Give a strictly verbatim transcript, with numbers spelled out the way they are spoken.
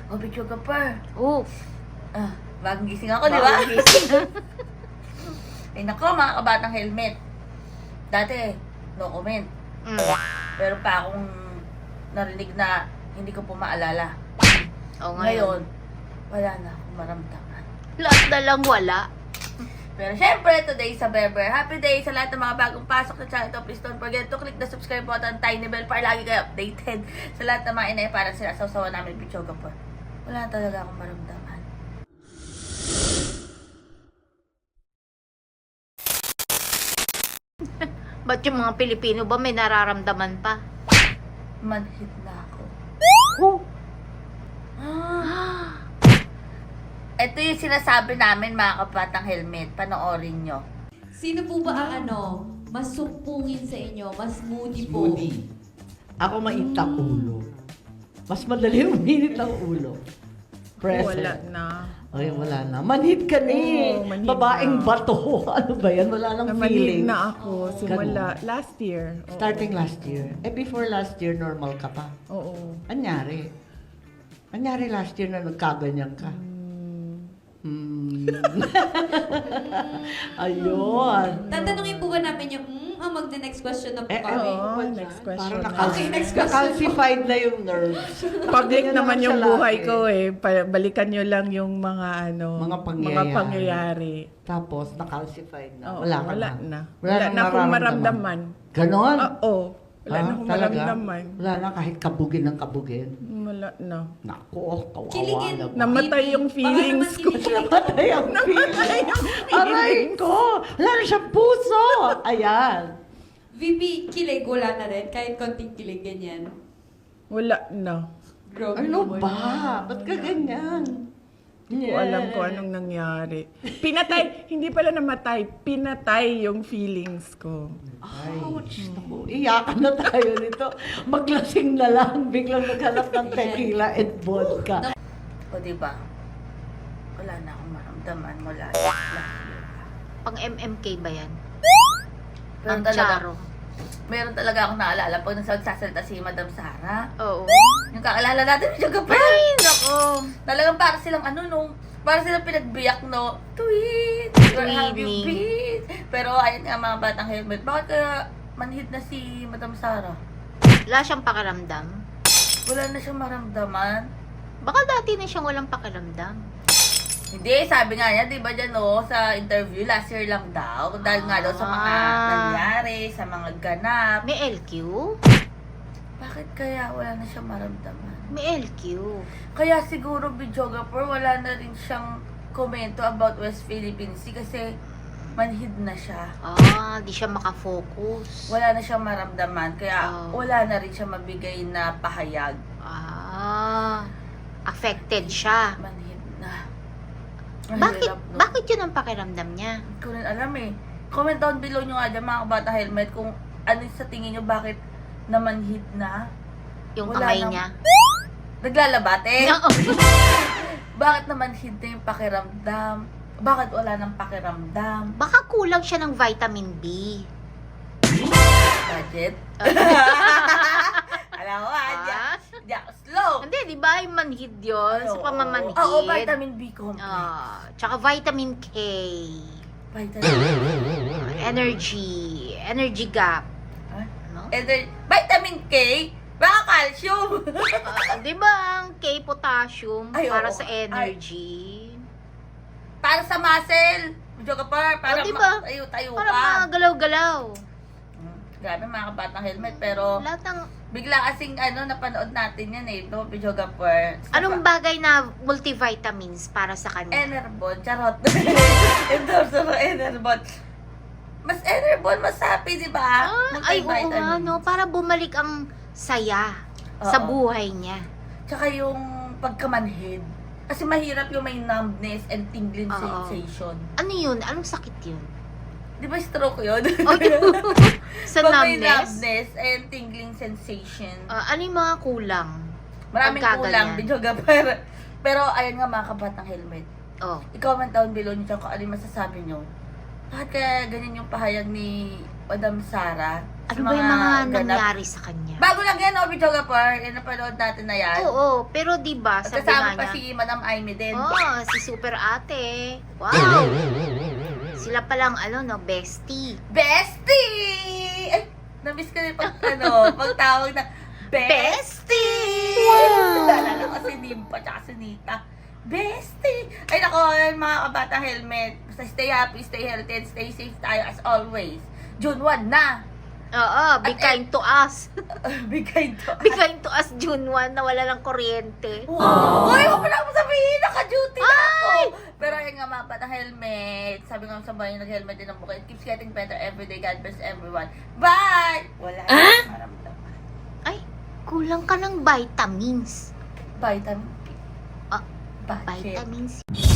Oh, video ka pa. Oh, Ah, bagong gising ako, di ba? bagong gising. Ay nako, mga kabatang helmet. Dati, no comment. Mm. Pero pa akong narinig na hindi ko po maalala. Oh, Ngayon, ngayon. wala na akong maramdaman. Lahat na lang wala. Pero syempre, today sa Berber. Happy day sa lahat ng mga bagong pasok sa channel to. Please don't forget to click the subscribe button, tiny bell para lagi kayo updated sa lahat ng mga inay para sila sa usawa namin video ka po. Wala na talaga akong maramdaman. Ba't yung mga Pilipino ba may nararamdaman pa? Manhid na ako. Oh. Ah. Ito yung sinasabi namin mga kapatang helmet. Panoorin nyo. Sino po ba ang ano, mas sumpungin sa inyo, mas moody po? Moody. Ako mainit ang ulo. Mas madali uminit ang ulo. Present. Wala na. Ay, wala na. Manhid ka na eh. Oo, manhid Babaeng na. bato. Ano ba yan? Wala nang Namanhid feeling. na ako simula last year. Oo. Starting last year. Eh, before last year, normal ka pa. Oo. Anyari? Anyari last year na nagkaganyan ka? Hmm. Ayun. Tatanungin po ba namin yung, hmm, ang magna-next question na po Eh, kami? Oo, next question. Parang na. nakal- Okay, next question. nakalsified na yung nerves. Public Ganyan naman yung siya buhay lagi. ko eh. Pa- balikan nyo lang yung mga ano, Mga pangyayari. mga pangyayari. Tapos, nakalsified na. Oo, wala ka wala na. na. Wala Wala nang na akong mararamdaman. maramdaman. Ganon? Oo. Wala Ah, na akong talaga? maramdaman. Wala na kahit kabugin ng kabugin. Wala na. Naku, kawawa Kiligin. naman. Namatay yung Baka feelings naman ko. kilig- Namatay ang feeling. Aray ko! Wala na siyang puso! Ayan. V P, kilig, wala na rin. Kahit konting kilig, ganyan. Wala na. Grabe Ano naman. ba? Ba't ka ganyan? Hindi ko alam kung anong nangyari. Pinatay, hindi pala namatay, pinatay yung feelings ko. Ouch! Naku, iyakan na tayo nito. Maglasing na lang. Biglang naghanap ng tequila and vodka. O diba? Wala na akong maramdaman mula last year. Pang M M K ba yan? Pero Ang talaga, Charo. meron talaga akong naalala pag nagsasalita si Madam Sara. Oo. Yung kakaalala natin, medyo kapal. Ay, nako. Talagang para silang ano nung, para silang pinagbiyak no, tweet, where have you Twinning. been? Pero ayun nga mga batang helmet, bakit kaya manhid na si Madam Sara? Wala siyang pakiramdam. Wala na siyang maramdaman. Baka dati na siyang walang pakiramdam. Hindi, sabi nga niya, di ba dyan no, sa interview, last year lang daw. Dahil nga daw sa mga Ah. nangyari, sa mga ganap. May L Q? Bakit kaya wala na siyang maramdaman? May L Q. Kaya siguro, videographer, wala na rin siyang komento about West Philippine Sea kasi manhid na siya. Ah, di siya makafocus. Wala na siyang maramdaman, kaya Oh. wala na rin siya mabigay na pahayag. Ah, affected siya. Manhid na. Bakit, Mahirap, no? bakit yun ang pakiramdam niya? Hindi ko rin alam eh. Comment down below nyo nga dyan mga kabata helmet kung ano sa tingin nyo bakit namanhid na. Yung Wala kamay nang- niya? Naglalabat eh. Oo. Bakit namanhid na yung pakiramdam? Bakit wala nang pakiramdam? Baka kulang siya ng vitamin B. Budget? Alam mo ah, di Ah? di ako slow. Hindi, di ba yung manhid yun? Ay, Sa oo. pamamanhid. Oo, vitamin B complex. Ah, tsaka vitamin K. Vitamin Energy. Energy gap. Huh? No? And then, vitamin K? Baka calcium. Ah, di ba ang K potassium Ay, para oo. sa energy? Para sa muscle. Medyo ka pa, para Oh, diba? tayo-tayo Para ka. mga galaw-galaw. Hmm, Grabe mga kabatang helmet, pero Lahat ng, bigla kasing ano, napanood natin yan eh, ito, video gapper. anong bagay na multivitamins para sa kanya? Enerbon, charot. Endorse mo Enerbon. Mas Enerbon, mas happy, di ba? Ah, ay, oo nga, Multivitamins. no? Para bumalik ang saya sa Oo. buhay niya. Tsaka yung pagkamanhid. Kasi mahirap yung may numbness and tingling Oo. sensation. Ano yun? Anong sakit yun? Di ba stroke yun? Oh, sa Pag may numbness? numbness and tingling sensation. Ah, ano yung mga kulang? Maraming pagka kulang, ganyan. video gapper. Pero ayun nga mga kabatang helmet. Oh, I-comment down below nyo kung ano yung masasabi nyo. Bakit kaya ganyan yung pahayag ni Madam Sara? Ano ba yung mga ganap. nangyari sa kanya? Bago lang yan, oh, videographer. Yung napanood natin na yan. Oo, pero di ba At sabi kasama nga pa niya, si Madam Aimee din. oh, si Super Ate. Wow! Sila palang ano, no, bestie. Bestie! Ay, na-miss ko rin pag, ano, pagtawag na Bestie! Wow! Naalala ko si Nimpa tsaka si Nita. Bestie! Ay, nako, yun, mga kabata helmet. Basta stay happy, stay healthy, and stay safe tayo as always. June first na. Oo, be At- kind to us. Bigay to. Be kind to us, June first, na wala ng kuryente. Wow! Uy, huwag mo na ako sabihin, naka-duty na ako. Pero ayun nga mga bata helmet. Sabi nga sa bahay, nag-helmet din ang buka. It keeps getting better every day. God bless everyone. Bye! Wala. Ah? Maramdaman. Ay, kulang ka ng vitamins. Vitamin. Ah, Bakit? Vitamins.